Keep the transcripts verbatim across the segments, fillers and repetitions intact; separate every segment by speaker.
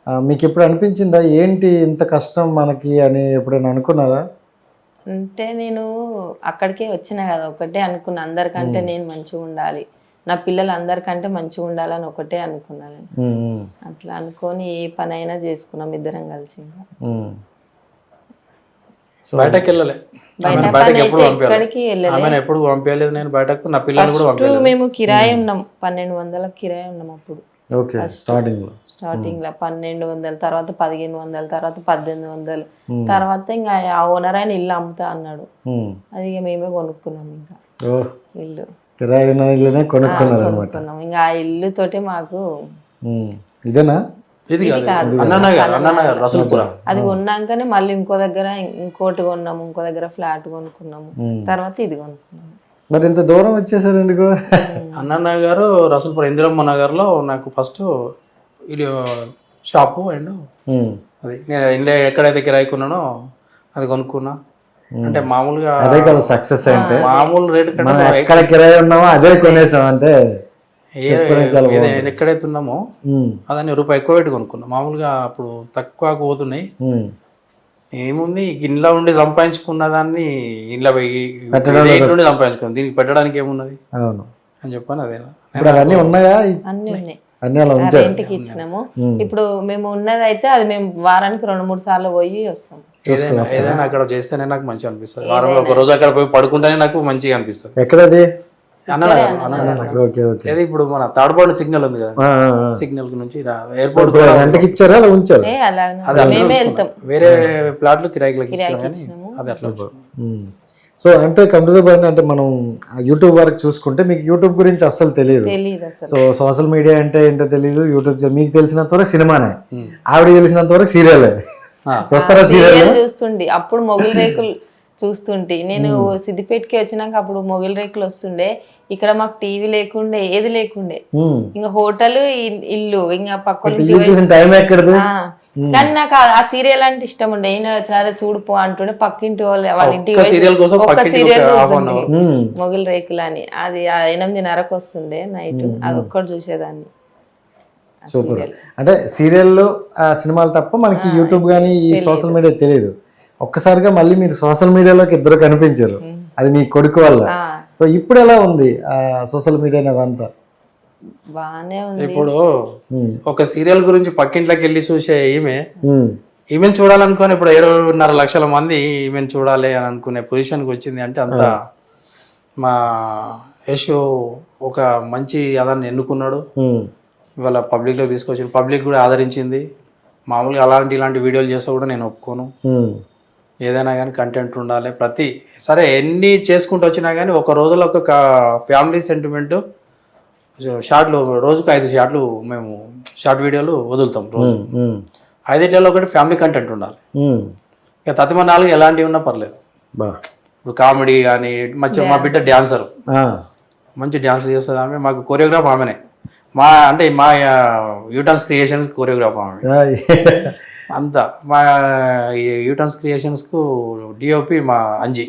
Speaker 1: మీకు ఎప్పుడు అనిపించిందా ఏంటి ఇంత కష్టం మనకి అని ఎప్పుడైనా అనుకున్నారా?
Speaker 2: అంటే నేను అక్కడికే వచ్చినా కదా, ఒకటే అనుకున్నా, అందరికంటే నేను మంచిగా ఉండాలి, నా పిల్లలు అందరికంటే మంచిగా ఉండాలని ఒకటే అనుకున్నాను. అట్లా అనుకొని ఏ పని అయినా చేసుకున్నాం ఇద్దరం కలిసి.
Speaker 3: బయటకి వెళ్ళలే,
Speaker 2: బయట ఎక్కడికి వెళ్ళలేదు,
Speaker 3: ఎప్పుడు పంపించలేదు నేను బయటకు. నా పిల్లలు కూడా
Speaker 2: పంపించలేదు. మేము కిరాయి ఉన్నాం, పన్నెండు వందల కిరాయి ఉన్నాం అప్పుడు.
Speaker 1: ఓకే, స్టార్టింగ్ లో
Speaker 2: స్టార్టింగ్ లో పన్నెండు వందలు, తర్వాత పదిహేను వందలు, తర్వాత పద్దెనిమిది వందలు, తర్వాత ఇంకా ఆ ఓనర్ ఆయన ఇల్లు అమ్ముతా అన్నాడు. అది ఇక మేమే కొనుక్కున్నాం. ఇంకా ఇల్లు
Speaker 1: కిరాయి ఉన్న ఇల్లునే కొనుక్కున్నారు అనమాట.
Speaker 2: కొనుక్కున్నాం. ఇంకా ఆ ఇల్లు తోటి మాకు
Speaker 1: ఇదేనా
Speaker 3: ఇది
Speaker 2: అది కొన్నాకనే మళ్ళీ ఇంకో దగ్గర ఇంకోటి కొన్నాము, ఇంకో దగ్గర ఫ్లాట్ కొనుక్కున్నాము, తర్వాత ఇది కొనుక్కున్నాము.
Speaker 1: మరి ఇంత దూరం వచ్చేసారు ఎందుకు?
Speaker 3: అన్నన్న గారు రసూల్పురం ఇందిరమ్మ నగర్ లో నాకు ఫస్ట్ ఇది షాపు అండ్ అది నేను ఇండియా ఎక్కడైతే కిరాయికున్నానో అది కొనుక్కున్నా. అంటే మామూలుగా
Speaker 1: అదే కదా సక్సెస్ అంటే,
Speaker 3: మామూలు రేటు
Speaker 1: కంటే ఎక్కడ కిరాయి ఉన్నామో అదే కొనేసాం అంటే.
Speaker 3: ఎక్కడైతే ఉన్నామో అదని రూపాయి ఎక్కువ పెట్టి కొనుక్కున్నాం. మామూలుగా అప్పుడు తక్కువ పోతున్నాయి. ఏముంది ఇంట్లో ఉండి సంపాదించుకున్న దాన్ని ఇంట్లో నుండి సంపాదించుకున్నాం, దీనికి పెట్టడానికి ఏమున్నది అని చెప్పాను. అదే
Speaker 1: అన్నీ ఉన్నాయా?
Speaker 2: అన్ని ఉన్నాయి,
Speaker 1: ఇంటికి
Speaker 2: ఇచ్చినాము. ఇప్పుడు మేము ఉన్నది అయితే అది మేము వారానికి రెండు మూడు సార్లు పోయి వస్తాం.
Speaker 3: ఏదైనా అక్కడ చేస్తేనే నాకు మంచిగా అనిపిస్తుంది. వారంలో ఒక రోజు అక్కడ పోయి పడుకుంటేనే నాకు మంచిగా అనిపిస్తుంది.
Speaker 1: ఎక్కడది?
Speaker 3: ఇప్పుడు మన తాడపాడు సిగ్నల్ ఉంది కదా, సిగ్నల్ నుంచి ఎయిర్పోర్ట్
Speaker 1: ఇచ్చారా ఉంచారు?
Speaker 3: వేరే ప్లాట్లు కిరాయికి.
Speaker 1: సో అంటే కంప్యూటర్ అంటే మనం యూట్యూబ్ వరకు చూసుకుంటే మీకు యూట్యూబ్ గురించి అస్సలు తెలియదు. సో సోషల్ మీడియా అంటే ఏంటో తెలియదు. యూట్యూబ్ మీకు తెలిసినంత వరకు సినిమానే, ఆవిడ తెలిసినంత వరకు సీరియల్ చూస్తారా? సీరియల్
Speaker 2: చూస్తుండే అప్పుడు మొగలి రేకులు చూస్తుంటే, నేను సిద్దిపేటకి వచ్చినాక అప్పుడు మొగలి రేకులు వస్తుండే. ఇక్కడ మాకు టీవీ లేకుండే, ఏది లేకుండే, ఇంకా హోటల్ ఇల్లు ఇంకా పక్కన.
Speaker 1: టైం ఎక్కడది?
Speaker 2: కానీ నాకు ఆ సీరియల్ అంటే ఇష్టం ఉండే. ఈయన చాలా చూడుపో అంటుండే, పక్కింటి వాళ్ళు వాళ్ళ ఇంటికి
Speaker 3: ఒక్క సీరియల్
Speaker 2: మొగలి రేకులు అని. అది ఎనిమిదిన్నరకు వస్తుండే నైట్, అది ఒక్కటి చూసేదాన్ని.
Speaker 1: సూపర్. అంటే సీరియల్లో సినిమాలు తప్ప మనకి యూట్యూబ్ కానీ ఈ సోషల్ మీడియా తెలియదు. ఒక్కసారిగా మళ్ళీ మీరు సోషల్ మీడియాలోకి ఇద్దరు కనిపించారు, అది మీ కొడుకు వల్ల. సో ఇప్పుడు ఎలా ఉంది సోషల్ మీడియా అదంతా?
Speaker 2: బానే ఉంది.
Speaker 3: ఇప్పుడు ఒక సీరియల్ గురించి పక్కింట్లోకి వెళ్ళి చూసే ఈమె ఈమెను చూడాలనుకుని ఇప్పుడు ఏడున్నర లక్షల మంది ఈమెను చూడాలి అని అనుకునే పొజిషన్కి వచ్చింది. అంటే అంత మా యశు ఒక మంచి అదాన్ని ఎన్నుకున్నాడు, ఇవాళ పబ్లిక్లో తీసుకొచ్చి పబ్లిక్ కూడా ఆదరించింది. మామూలుగా అలాంటి ఇలాంటి వీడియోలు చేస్తా కూడా నేను ఒప్పుకోను. ఏదైనా కానీ కంటెంట్ ఉండాలి. ప్రతి సరే ఎన్ని చేసుకుంటూ వచ్చినా కానీ ఒక రోజులో ఒక ఫ్యామిలీ సెంటిమెంట్ షార్ట్లు, రోజుకు ఐదు షార్ట్లు మేము షార్ట్ వీడియోలు వదులుతాం రోజు. ఐదింటిలో ఒకటి ఫ్యామిలీ కంటెంట్ ఉండాలి. ఇక తతిమ నాలుగు ఎలాంటివి ఉన్నా పర్లేదు. ఇప్పుడు కామెడీ కానీ మంచి, మా బిడ్డ డ్యాన్సర్, మంచి డ్యాన్స్ చేస్తుంది ఆమె. మాకు కొరియోగ్రాఫ్ ఆమెనే, మా అంటే మా యూటన్స్ క్రియేషన్స్ కొరియోగ్రాఫ్ ఆమె అంతా. మా యూటన్స్ క్రియేషన్స్ కు డిఓపి మా అంజీ.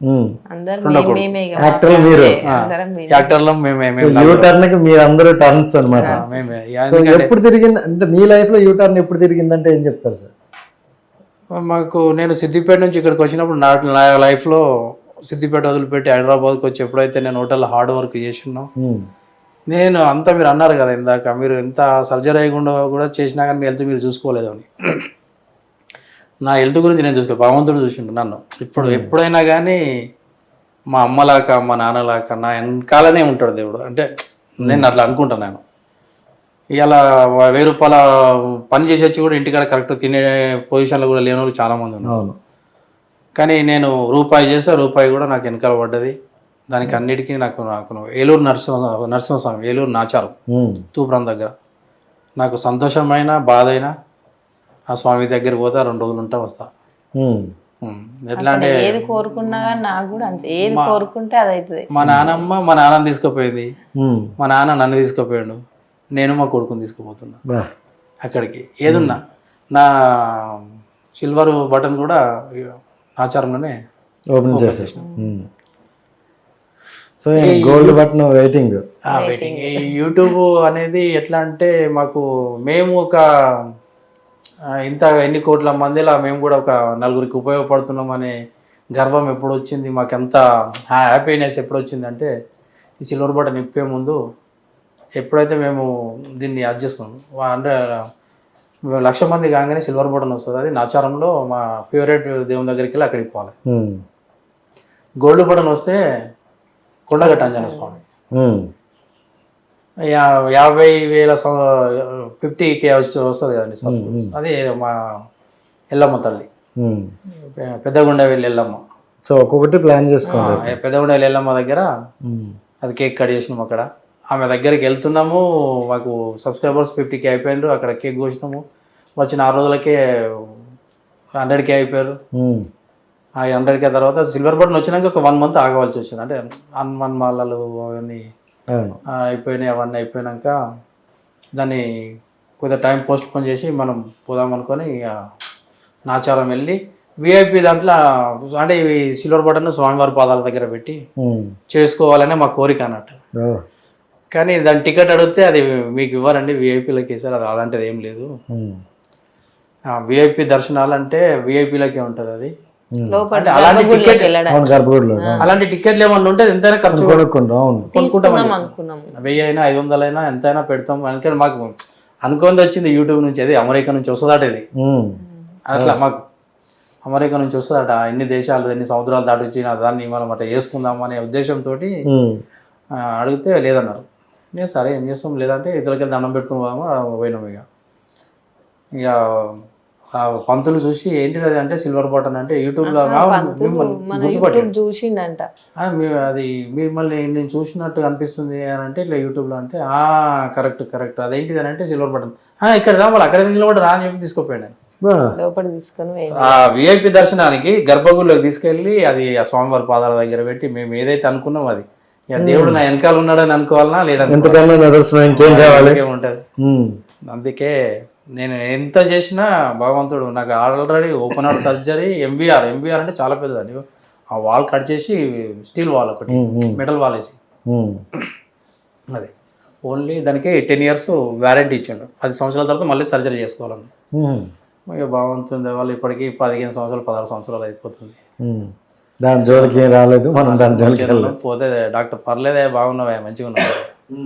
Speaker 3: యాక్టర్లు మేమే.
Speaker 1: మీరందరూ టర్న్స్ అన్నమాట. ఎప్పుడు తిరిగింది అంటే మీ లైఫ్ లో యూటర్న్ ఎప్పుడు తిరిగిందంటే ఏం చెప్తారు సార్?
Speaker 3: మాకు నేను సిద్దిపేట నుంచి ఇక్కడికి వచ్చినప్పుడు నా లైఫ్లో సిద్దిపేట వదిలిపెట్టి హైదరాబాద్కి వచ్చి ఎప్పుడైతే నేను హోటల్లో హార్డ్ వర్క్ చేసినా, నేను అంతా మీరు అన్నారు కదా ఇందాక, మీరు ఎంత సర్జరీ అయ్యకుండా కూడా చేసినా కానీ మీ హెల్త్ మీరు చూసుకోలేదు అని. నా హెల్త్ గురించి నేను చూసుకో, భగవంతుడు చూసిండు నన్ను. ఇప్పుడు ఎప్పుడైనా కానీ మా అమ్మలాక మా నాన్నలాక నా వెనకాలనే ఉంటాడు దేవుడు. అంటే నేను అట్లా అనుకుంటాను. నేను ఇలా వెయ్యి రూపాయల పని చేసి వచ్చి కూడా ఇంటికాడ కరెక్ట్ తినే పొజిషన్లో కూడా లేని వాళ్ళు చాలామంది ఉన్నారు. కానీ నేను రూపాయి చేస్తే రూపాయి కూడా నాకు వెనకాల పడ్డది. దానికి అన్నిటికీ నాకు నాకు ఏలూరు నరసింహ నరసింహస్వామి ఏలూరు నాచారం తూప్రాం దగ్గర నాకు సంతోషమైన బాధ అయినా ఆ స్వామి దగ్గర పోతే రెండు రోజులు ఉంటా వస్తా. ఎట్లా అంటే
Speaker 2: ఏది కోరుకున్నా నాకు కూడా అంతే, ఏది కోరుకుంటే అది అవుతుంది.
Speaker 3: మా నాన్నమ్మ మా నాన్న తీసుకుపోయింది, మా నాన్న నన్ను తీసుకుపోయాడు, నేను మా కొడుకుని తీసుకుపోతున్నా అక్కడికి. ఏదున్నా నా సిల్వర్ బటన్ కూడా ఆచారంలోనే
Speaker 1: ఓపెన్ చేసేసిన. So gold button waiting
Speaker 3: waiting. ఈ యూట్యూబ్ అనేది ఎట్లా అంటే మాకు మేము ఒక ఆ, ఇంత ఎన్ని కోట్ల మందిలా మేము కూడా ఒక నలుగురికి ఉపయోగపడుతున్నాం అనే గర్వం ఎప్పుడు వచ్చింది, మాకెంత హ్యాపీనెస్ ఎప్పుడు వచ్చింది అంటే ఈ సిల్వర్ బటన్ ఇప్పే ముందు ఎప్పుడైతే మేము దీన్ని యాడ్ చేసుకున్నాం అంటే మేము లక్ష మంది కాగానే సిల్వర్ బటన్ వస్తుంది, అది నాచారంలో మా ఫేవరెట్ దేవుని దగ్గరికి వెళ్ళి అక్కడికి పోవాలి.
Speaker 1: ఉమ్,
Speaker 3: గోల్డ్ బటన్ వస్తే కొండగట్ట ఆంజనేయ స్వామి,
Speaker 1: ఉమ్,
Speaker 3: యా- యాభై వేల ఫిఫ్టీ కే వచ్చి వస్తుంది కదండి సార్, అది మా ఎల్లమ్మ తల్లి,
Speaker 1: ఉమ్.
Speaker 3: పె- పెద్దగుండవెల్లి ఎల్లమ్మ.
Speaker 1: సో ఒక్కొక్కటి ప్లాన్ చేసుకోండి.
Speaker 3: ఆ, పెద్దగుండవెల్లి ఎల్లమ్మ దగ్గర
Speaker 1: ఉమ్,
Speaker 3: అది కేక్ కట్ చేసినాము. అక్కడ ఆమె దగ్గరికి వెళ్తున్నాము, మాకు సబ్స్క్రైబర్స్ ఫిఫ్టీ కే అయిపోయారు, అక్కడ కేక్ కోసినాము. వచ్చిన ఆరు రోజులకే హండ్రెడ్ కే అయిపోయారు.
Speaker 1: ఉమ్,
Speaker 3: ఆ హండ్రెడ్ కే తర్వాత సిల్వర్ బటన్ వచ్చినాక ఒక వన్ మంత్ ఆగవలసి వచ్చింది, అంటే హనుమాన్ మాలలు అవన్నీ
Speaker 1: అవును.
Speaker 3: ఆ, అయిపోయినాయి. అవన్నీ అయిపోయినాక దాన్ని కొద్దిగా టైం పోస్ట్ పోన్ చేసి మనం పోదాం అనుకొని ఇక నాచారం వెళ్ళి విఐపి దాంట్లో అంటే ఇవి సిల్వర్ బటన్ స్వామివారి పాదాల దగ్గర పెట్టి
Speaker 1: ఉమ్,
Speaker 3: చేసుకోవాలనే మా కోరిక అన్నట్టు.
Speaker 1: ఓ,
Speaker 3: కానీ దాని టికెట్ అడిగితే అది మీకు ఇవ్వరండి, విఐపీలకి ఇస్తారు, అది అలాంటిది ఏం లేదు.
Speaker 1: ఉమ్,
Speaker 3: విఐపి దర్శనాలు అంటే విఐపీలకే ఉంటుంది అది.
Speaker 2: లోపల
Speaker 3: అంటే అలాంటి
Speaker 2: గర్భగుడిలోకి
Speaker 3: టికెట్
Speaker 2: వెళ్ళడానికి
Speaker 1: అవును, గర్భగుడిలో
Speaker 3: అలాంటి టికెట్లు ఏమన్నా ఉంటే ఎంతైనా ఖర్చు
Speaker 1: కొనుక్కుంటాం. అవును.
Speaker 3: కొనుక్కుంటాం.
Speaker 2: అనుకున్నాము.
Speaker 3: వెయ్యి అయినా ఐదు వందలు అయినా ఎంతైనా పెడతాం. అందుకని మాకు అనుకుంది వచ్చింది యూట్యూబ్ నుంచి, అది అమెరికా నుంచి వస్తుందట ఇది.
Speaker 1: ఉమ్,
Speaker 3: అట్లా మాకు అమెరికా నుంచి వస్తుందట, ఎన్ని దేశాలు ఎన్ని సముద్రాలు దాటి వచ్చిన దాన్ని మనం అట్లా చేసుకుందాం అనే ఉద్దేశంతో
Speaker 1: ఉమ్,
Speaker 3: అడిగితే లేదన్నారు. నేను సరే ఏం చేస్తాం, లేదంటే ఇతరులకి దండం పెట్టుకుని పోదామా పోయినాం. ఇక ఇక ఆ పంతులు చూసి ఏంటిది అది అంటే సిల్వర్ బటన్ అంటే యూట్యూబ్లో
Speaker 2: మన యూట్యూబ్ చూసిండంట.
Speaker 3: అది మిమ్మల్ని నేను చూసినట్టు అనిపిస్తుంది అని అంటే ఇట్లా యూట్యూబ్లో అంటే ఆ కరెక్ట్ కరెక్ట్ అదేంటిది అని అంటే సిల్వర్ బటన్ ఇక్కడ రా వాళ్ళు అక్కడ నిలబడి రా అని చెప్పి తీసుకుపోయాను.
Speaker 1: బా,
Speaker 2: లోపల తీసుకొని పోయిండు.
Speaker 3: ఆ విఐపి దర్శనానికి గర్భగుడిలోకి తీసుకెళ్ళి అది ఆ స్వామివారి పాదాల దగ్గర పెట్టి మేము ఏదైతే అనుకున్నాం అది ఇక దేవుడు నా వెనకాల ఉన్నాడని అనుకోవాలన్నా లేదంటే
Speaker 1: ఎంతకన్నా నిదర్శనం ఇంకేం కావాలి.
Speaker 3: ఉంటుంది.
Speaker 1: ఉమ్,
Speaker 3: అందుకే నేను ఎంత చేసినా భగవంతుడు నాకు already open heart surgery MBR MBR అంటే చాలా పెద్దదండి. ఆ వాల్ కట్ చేసి స్టీల్ వాల్ ఒకటి మెటల్ వాల్ వేసి
Speaker 1: ఉమ్,
Speaker 3: అది ఓన్లీ దానికి టెన్ ఇయర్స్ వ్యారంటీ ఇచ్చాడు. పది సంవత్సరాల తర్వాత మళ్ళీ సర్జరీ చేసుకోవాలని.
Speaker 1: ఉమ్,
Speaker 3: ఇక భగవంతుని వాళ్ళు ఇప్పటికీ పదిహేను సంవత్సరాలు పదహారు సంవత్సరాలు అయిపోతుంది.
Speaker 1: ఉమ్. దాని జోలికి ఏం రాలేదు, మనం దాని జోలికి వెళ్ళలేదు.
Speaker 3: పోతే డాక్టర్ పర్లేదే బాగున్నావా మంచిగా ఉన్నావా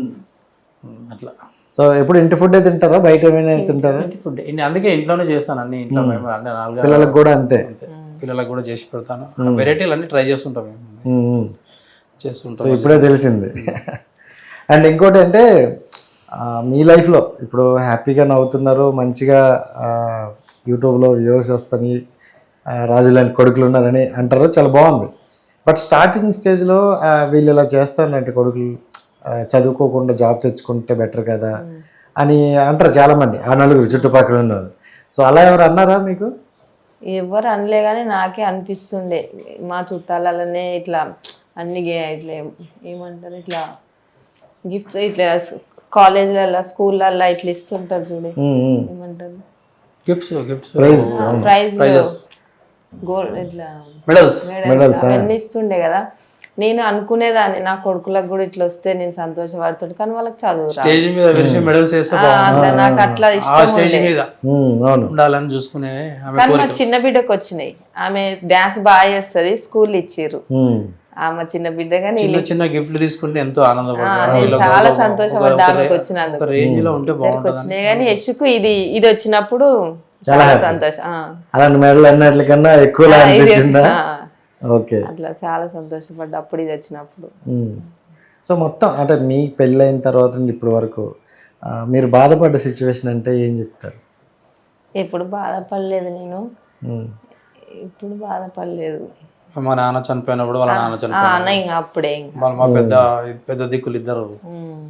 Speaker 3: అట్లా.
Speaker 1: సో ఎప్పుడు ఇంటి ఫుడ్ తింటారా, బయట ఏమైనా తింటారా?
Speaker 3: ఫుడ్ అందుకే ఇంట్లోనే చేస్తాను అన్ని ఇంట్లో మేము అంటే నాలుగు
Speaker 1: పిల్లలకు కూడా అంతే.
Speaker 3: పిల్లలకు కూడా చేసి పెడతాను. వెరైటీలు అన్ని ట్రై చేస్తుంటాం మేము
Speaker 1: ఉమ్, ఉమ్.
Speaker 3: చేస్తుంటాం.
Speaker 1: సో ఇప్పుడే తెలిసింది. అండ్ ఇంకోటి అంటే ఆ, మీ లైఫ్లో ఇప్పుడు హ్యాపీగా నవ్వుతున్నారు, మంచిగా ఆ, యూట్యూబ్లో వ్యూవర్స్ వస్తాయి, ఆ, రాజు లాంటి కొడుకులు ఉన్నారని అంటారు, చాలా బాగుంది. బట్ స్టార్టింగ్ స్టేజ్లో వీళ్ళు ఇలా చేస్తారంటే కొడుకులు ఆ, చదువుకోకుండా జాబ్ తెచ్చుకుంటే బెటర్ కదా అని అంటారు చాలామంది, ఆ నలుగురు చుట్టుపక్కల ఉన్నారు. సో అలా ఎవరు అన్నారా మీకు?
Speaker 2: ఎవరు అనలే కానీ నాకే అనిపిస్తుండే మా చుట్టాలనే ఇట్లా అన్ని గే- ఇట్లా ఏం- ఏమంటారు ఇట్లా గిఫ్ట్స్ ఇట్లా కాలేజ్లలో స్కూళ్ళల్లో ఇట్లా ఇస్తుంటారు చూడే,
Speaker 1: ఉమ్, ఉమ్.
Speaker 2: ఏమంటారు
Speaker 3: gifts gifts
Speaker 1: prize
Speaker 2: prize gold ఇట్లా
Speaker 3: మెడల్స్
Speaker 2: మెడల్స్ అవన్నీ ఇస్తుండే కదా. నేను అనుకునేదాన్ని నా కొడుకులకు కూడా ఇట్లా వస్తే నేను సంతోషపడుతుండే, కానీ వాళ్ళకి చదువు రాదు.
Speaker 3: స్టేజ్ మీద విరిచి మెడల్స్ వేస్తే
Speaker 2: ఆ, అట్లా నాకు అట్లా
Speaker 3: ఆ
Speaker 2: ఇష్టం
Speaker 3: స్టేజ్
Speaker 2: ఉండే.
Speaker 3: మీద
Speaker 1: ఉమ్, అవును.
Speaker 3: ఉండాలని చూసుకునే ఆమె
Speaker 2: కానీ మా చిన్న బిడ్డకు వచ్చినాయి, ఆమె డాన్స్ బాగా చేస్తుంది, స్కూల్ ఇచ్చిర్రు.
Speaker 1: ఉమ్,
Speaker 2: ఆమె చిన్న బిడ్డ కానీ
Speaker 3: చిన్న చిన్న గిఫ్ట్లు తీసుకుంటే ఎంతో ఆనందపడతాను.
Speaker 2: నేను చాలా సంతోషపడ్డా ఆమెకు వచ్చినందుకు.
Speaker 3: ఒక రేంజ్ లో ఉంటే బాగుంటుంది.
Speaker 2: వచ్చినాయి కానీ యశుకు ఇది ఇది వచ్చినప్పుడు చాలా సంతోషం. ఆ.
Speaker 1: అలాంటి మెడల్ అన్నిటికన్నా ఎక్కువ
Speaker 2: ఇది-
Speaker 1: అనిపించిందా?
Speaker 2: ఆ.
Speaker 1: ఓకే.
Speaker 2: అట్లా చాలా సంతోషపడ్డా అప్పుడు ఇది వచ్చినప్పుడు.
Speaker 1: ఉమ్. సో మొత్తం అంటే మీ పెళ్ళైన తర్వాత నుండి ఇప్పటి వరకు ఆ, మీరు బాధపడ్డ సిచ్యువేషన్ అంటే ఏం చెప్తారు?
Speaker 2: ఎప్పుడు బాధపడలేదు నేను,
Speaker 1: ఉమ్,
Speaker 2: ఇప్పుడు బాధపడలేదు.
Speaker 3: మా నాన్న చనిపోయినప్పుడు వాళ్ళ నాన్న
Speaker 2: ఆ,
Speaker 3: చనిపోయిన
Speaker 2: అన్న ఇంకా అప్పుడే ఇంకా
Speaker 3: వాళ్ళు మా పెద్ద పెద్ద దిక్కులు ఇద్దరు.
Speaker 2: ఉమ్.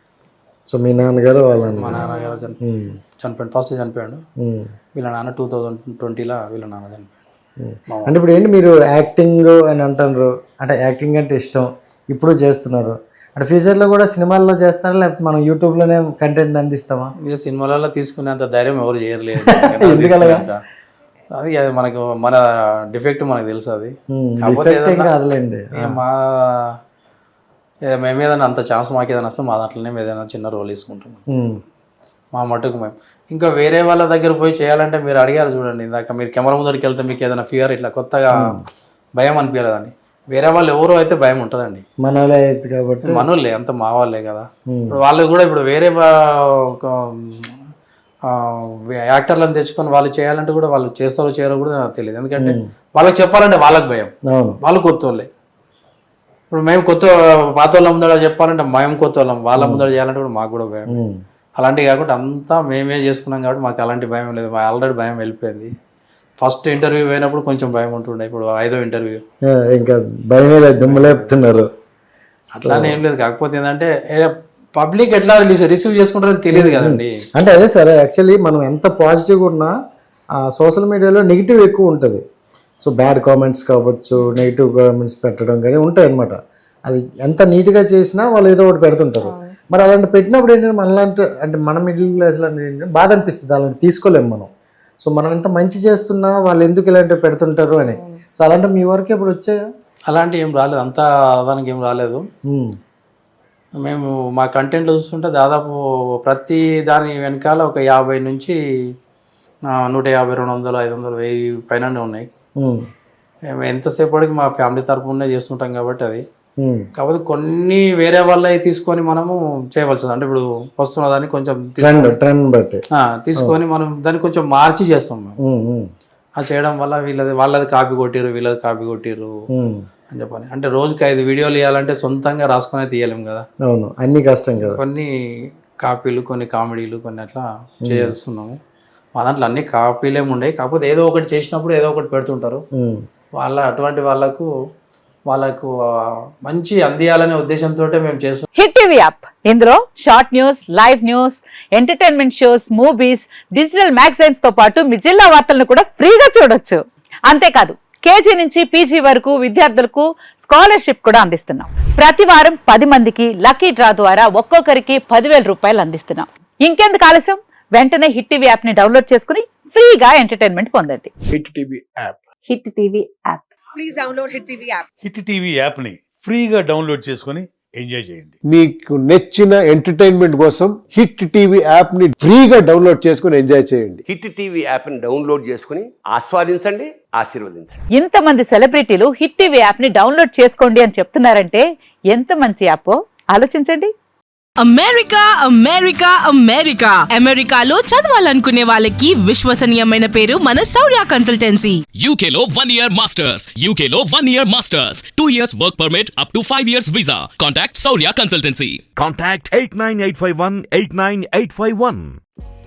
Speaker 1: సో మీ నాన్నగారు వాళ్ళ
Speaker 3: మా నాన్నగారు చని-
Speaker 1: ఉమ్,
Speaker 3: చనిపోయాడు, ఫస్ట్ చనిపోయాడు.
Speaker 1: ఉమ్,
Speaker 3: వీళ్ళ నాన్న టూ థౌజండ్ ట్వంటీలో వీళ్ళ నాన్న చనిపోయాడు.
Speaker 1: ఉమ్. అంటే ఇప్పుడు ఏంటి మీరు యాక్టింగ్ అని అంటున్నారు, అంటే యాక్టింగ్ అంటే ఇష్టం, ఇప్పుడు చేస్తున్నారు, అంటే ఫ్యూచర్లో కూడా సినిమాల్లో చేస్తారా లేకపోతే మనం యూట్యూబ్లోనే కంటెంట్ అందిస్తామా?
Speaker 3: ఇక సినిమాలలో తీసుకునేంత ధైర్యం ఎవరు చేయలేరు.
Speaker 1: ఎందుకలాగా?
Speaker 3: అది అది మనకు మన డిఫెక్ట్ మనకు తెలుసు. అది
Speaker 1: ఉమ్,
Speaker 3: కాకపోతే
Speaker 1: డిఫెక్ట్ ఏం
Speaker 3: ఏదన్నా-
Speaker 1: కాదులేండి.
Speaker 3: ఇక మా ఏ- మేము ఏదైనా అంత ఛాన్స్ మాకు ఏదైనా వస్తే మా దాంట్లోనే మేము ఏదైనా చిన్న రోల్ వేసుకుంటాం.
Speaker 1: ఉమ్.
Speaker 3: మా మటుకు మేము. ఇంకా వేరే వాళ్ళ దగ్గర పోయి చేయాలంటే మీరు అడిగారు చూడండి ఇందాక, మీరు కెమెరా ముందరికి వెళ్తే మీకు ఏదైనా ఫియర్ ఇట్లా కొత్తగా భయం అనిపించలేదని. వేరే వాళ్ళు ఎవరో అయితే భయం ఉంటుందండి,
Speaker 1: మన వాళ్ళే అయితే కాబట్టి
Speaker 3: మనోళ్ళే అంత మా వాళ్ళే కదా. ఇప్పుడు వాళ్ళు కూడా ఇప్పుడు వేరే యాక్టర్లను తెచ్చుకొని వాళ్ళు చేయాలంటే కూడా వాళ్ళు చేస్తారో చేయరో కూడా నాకు తెలియదు. ఎందుకంటే వాళ్ళకి చెప్పాలంటే వాళ్ళకి భయం, వాళ్ళు కొత్త వాళ్ళే. ఇప్పుడు మేము కొత్త పాత వాళ్ళ ముందర చెప్పాలంటే మేము కొత్త వాళ్ళం, వాళ్ళ ముందర చేయాలంటే కూడా మాకు కూడా భయం. అలాంటివి కాకుండా అంతా మేమే చేసుకున్నాం కాబట్టి మాకు అలాంటి భయం లేదు. మా ఆల్రెడీ భయం వెళ్ళిపోయింది. ఫస్ట్ ఇంటర్వ్యూ పోయినప్పుడు కొంచెం భయం ఉంటుండే, ఇప్పుడు ఐదో ఇంటర్వ్యూ
Speaker 1: ఇంకా భయమే లేదు, దుమ్ము లేపుతున్నారు.
Speaker 3: అట్లానే ఏం లేదు. కాకపోతే ఏంటంటే పబ్లిక్ ఎట్లా రిసీవ్ చేసుకుంటారని తెలియదు కదండి.
Speaker 1: అంటే అదే సార్, యాక్చువల్లీ మనం ఎంత పాజిటివ్గా ఉన్నా సోషల్ మీడియాలో నెగిటివ్ ఎక్కువ ఉంటుంది. సో బ్యాడ్ కామెంట్స్ కావచ్చు, నెగిటివ్ కామెంట్స్ పెట్టడం కానీ ఉంటాయి అనమాట. అది ఎంత నీట్గా చేసినా వాళ్ళు ఏదో ఒకటి పెడుతుంటారు. మరి అలాంటి పెట్టినప్పుడు ఏంటంటే మనలాంటి అంటే మన మిడిల్ క్లాస్లో ఏంటంటే బాధ అనిపిస్తుంది, అలాంటి తీసుకోలేము మనం. సో మనం ఎంత మంచి చేస్తున్నా వాళ్ళు ఎందుకు ఇలాంటివి పెడుతుంటారు అని. సో అలాంటి మీ వరకు ఎప్పుడు వచ్చాయా?
Speaker 3: అలాంటివి ఏం రాలేదు, అంతా దానికి ఏం రాలేదు. మేము మా కంటెంట్లో చూస్తుంటే దాదాపు ప్రతి దాని వెనకాల ఒక యాభై నుంచి నూట యాభై రెండు వందలు ఐదు వందలు వెయ్యి పైన ఉన్నాయి. మేము ఎంతసేపటికి మా ఫ్యామిలీ తరపునే చేస్తుంటాం కాబట్టి అది. కాకపోతే కొన్ని వేరే వాళ్ళవి తీసుకొని మనము చేయవలసింది, అంటే ఇప్పుడు వస్తున్న దాన్ని కొంచెం తీసుకొని మనం దాన్ని కొంచెం మార్చి చేస్తాం మేము. అది చేయడం వల్ల వీళ్ళది వాళ్ళది కాపీ కొట్టిరు, వీళ్ళది కాపీ కొట్టిరు అని చెప్పని. అంటే రోజుకి ఐదు వీడియోలు ఇవ్వాలంటే సొంతంగా రాసుకునే తీయలేము కదా,
Speaker 1: అవును అన్ని కష్టం కదా.
Speaker 3: కొన్ని కాపీలు, కొన్ని కామెడీలు, కొన్ని అట్లా చేస్తున్నాము. మా దాంట్లో అన్ని కాపీలేమి ఉండేవి. కాకపోతే ఏదో ఒకటి చేసినప్పుడు ఏదో ఒకటి పెడుతుంటారు. వాళ్ళ అటువంటి వాళ్ళకు వాళ్ళకు మంచి అందియాలనే ఉద్దేశంతో మేము చేస్తాం.
Speaker 4: హిట్ టీవీ యాప్, ఇందులో short news, live news, entertainment shows, movies, digital magazines తో పాటు మీ జిల్లా వార్తలను కూడా ఫ్రీగా చూడొచ్చు. అంతేకాదు కేజీ నుంచి పీజీ వరకు విద్యార్థులకు స్కాలర్షిప్ కూడా అందిస్తున్నాం. ప్రతి వారం పది మందికి లక్కీ డ్రా ద్వారా ఒక్కొక్కరికి పదివేల రూపాయలు అందిస్తున్నాం. ఇంకెందుకు ఆలస్యం, వెంటనే హిట్ టీవీ యాప్ ని డౌన్లోడ్ చేసుకుని ఫ్రీగా ఎంటర్టైన్మెంట్ పొందండి.
Speaker 5: Hit TV app,
Speaker 4: hit TV app,
Speaker 6: please download hit TV app.
Speaker 5: Hit TV app ని ఫ్రీగా డౌన్లోడ్ చేసుకొని ఎంజాయ్ చేయండి.
Speaker 7: మీకు నచ్చిన ఎంటర్టైన్మెంట్ కోసం హిట్ టీవీ యాప్ ని ఫ్రీగా డౌన్లోడ్ చేసుకొని ఎంజాయ్ చేయండి.
Speaker 8: హిట్ టీవీ యాప్ ని డౌన్లోడ్ చేసుకుని ఆస్వాదించండి, ఆశీర్వదించండి.
Speaker 4: ఇంతమంది సెలబ్రిటీలు హిట్ టీవీ యాప్ ని డౌన్లోడ్ చేసుకోండి అని చెప్తున్నారంటే ఎంత మంచి యాప్ ఆలోచించండి.
Speaker 6: అమెరికా అమెరికా అమెరికా అమెరికాలో చదవాలనుకునే వాళ్ళకి విశ్వసనీయమైన పేరు మన శౌర్య కన్సల్టెన్సీ.
Speaker 9: U K లో one year masters, U K లో one year masters, two years work permit up to five years visa. Contact Saurya Consultancy.
Speaker 10: Contact eight nine eight five one eight nine eight five one.